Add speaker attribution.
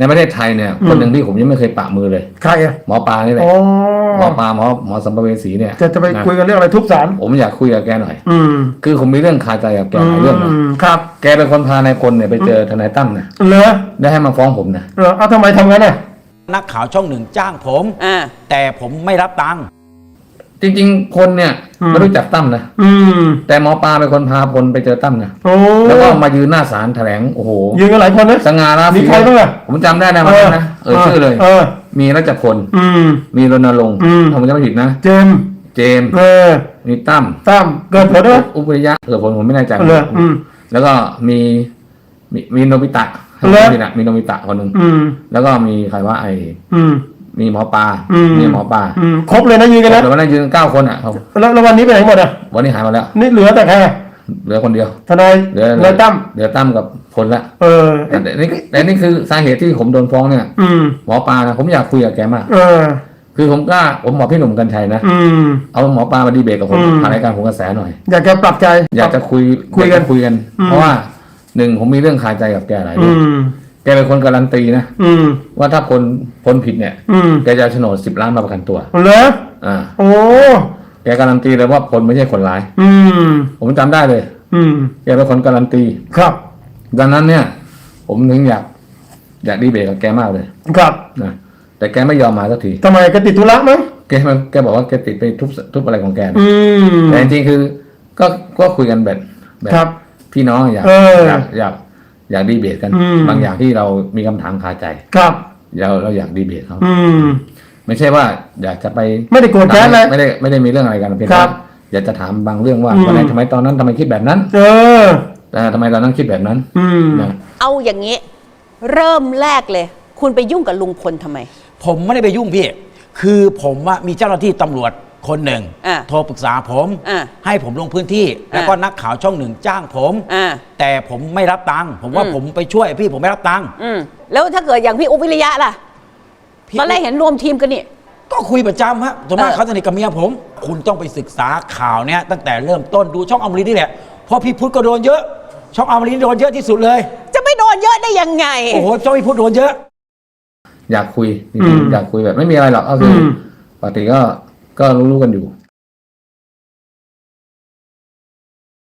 Speaker 1: ในประเทศไทยเนี่ยคนหนึ่งที่ผมยังไม่เคยปะมือเลย
Speaker 2: ใครอะ
Speaker 1: หมอปลานี่แหละหมอปลาหมอสัมภเวสีเนี่ย
Speaker 2: จะไปคุยกันเรื่องอะไรทุบศาล
Speaker 1: ผมอยากคุยกับแกหน่อยคือผมมีเรื่องคาใจกับแกหลายเรื่องนะครับแกเป็นคนพานายพลเนี่ยไปเจอทนายตั้มนะ
Speaker 2: เหรอ
Speaker 1: ได้ให้มาฟ้องผมนะ
Speaker 2: เอาทำไมทำงั้นน่ะ
Speaker 3: นักข่าวช่องหนึ่งจ้างผมแต่ผมไม่รับตังค์
Speaker 1: จริงๆพลเนี่ยไม่รู้จักตั้มนะแต่หมอปลาเป็นคนพาพลไปเจอตั้มนะแล้วก็มายืนหน้าศาลแถลงโอ้โห
Speaker 2: ยืนกันหลายคนนะ
Speaker 1: สง่าราศี
Speaker 2: มีใครบ้างอะ
Speaker 1: ผมจำได้นะนะชื่อเลยมีรัชพลมีรณรงค์ถ้าผมจำไม่ผิดนะเจมมีตั้ม
Speaker 2: เกิดผลด้วย
Speaker 1: อุปยะเกิดผลผมไม่แน่ใจแล้วก็มีโนบิตะมีโนบิตะคนหนึ่งแล้วก็มีใครว่ามีหมอปลา
Speaker 2: ครบเลยนะยืนกันแล้ว
Speaker 1: แต่วันนั้นยืน9 คนอ่ะครับ
Speaker 2: แล้ววันนี้ไปไหนหมดอ่ะ
Speaker 1: วันนี้หายมาแล้ว
Speaker 2: นี่เหลือแต่ใคร
Speaker 1: เหลือคนเดียว
Speaker 2: ทนายตั้ม
Speaker 1: เหลือตั้มกับพลละแต่นี่คือสาเหตุที่ผมโดนฟ้องเนี่ยหมอปลานะผมอยากคุยกับแกมากคือผมบอกพี่หนุ่มกัญชัยนะเอาหมอปลามาดีเบตกับผมผ่านรายการผมกระแสหน่อย
Speaker 2: อยากจะปรับใจ
Speaker 1: อยากจะคุยกันเพราะว่า1ผมมีเรื่องคาใจกับแกหลายเรื่องแกเป็นคนการันตีนะว่าถ้าพ้นผิดเนี่ยแกจะโฉนด10 ล้านมาประกันตัว
Speaker 2: เหรอโอ้
Speaker 1: แกการันตีเลยว่าพลไม่ใช่คนร้ายผมจำได้เลยแกเป็นคนการันตี
Speaker 2: ครับ
Speaker 1: ดังนั้นเนี่ยผมถึงอยากดีเบตกับแกมากเลย
Speaker 2: ครับ
Speaker 1: นะแต่แกไม่ยอมมาสักที
Speaker 2: ทำไมแกติดธุระมั้ง
Speaker 1: แกบอกว่าแกติดไปทุบอะไรของแกแต่จริงๆคือก็คุยกันแบบพี่น้องอยากดีเบตกันบางอย่างที่เรามีคำถามคาใจเราอยากดีเบตเขาไม่ใช่ว่าอยากจะไป
Speaker 2: ไม่ได้โกรธแค้นเลย
Speaker 1: ไม่ได้มีเรื่องอะไรกันเพียงแต่อยากจะถามบางเรื่องว่าวันไหนทำไมตอนนั้นทำไมคิดแบบนั้นแต่ทำไมตอนนั้นคิดแบบนั้น
Speaker 4: เอาอย่างนี้เริ่มแรกเลยคุณไปยุ่งกับลุงพลทำไม
Speaker 3: ผมไม่ได้ไปยุ่งพี่คือผมว่ามีเจ้าหน้าที่ตำรวจคนหนึ่งโทรปรึกษาผมให้ผมลงพื้นที่แล้วก็นักข่าวช่องหนึ่งจ้างผมแต่ผมไม่รับตังค์ผมว่าผมไปช่วยพี่ผมไม่รับตังค์
Speaker 4: แล้วถ้าเกิดอย่างพี่อุ๊บวิริยะล่ะตอนแรกเห็นรวมทีมกันนี่
Speaker 3: ก็คุยประจำฮะส่วนมากเขาสนิทกับเมียผมคุณต้องไปศึกษาข่าวเนี้ยตั้งแต่เริ่มต้นดูช่องอมรินทร์นี่แหละเพราะพี่พุทธก็โดนเยอะช่องอมรินทร์โดนเยอะที่สุดเลย
Speaker 4: จะไม่โดนเยอะได้ยังไง
Speaker 3: โอ้โหช่องพี่พุทธโดนเยอะ
Speaker 1: อยากคุยจริงๆอยากคุยแบบไม่มีอะไรหรอกก็คือปกติก็รู้กันอยู่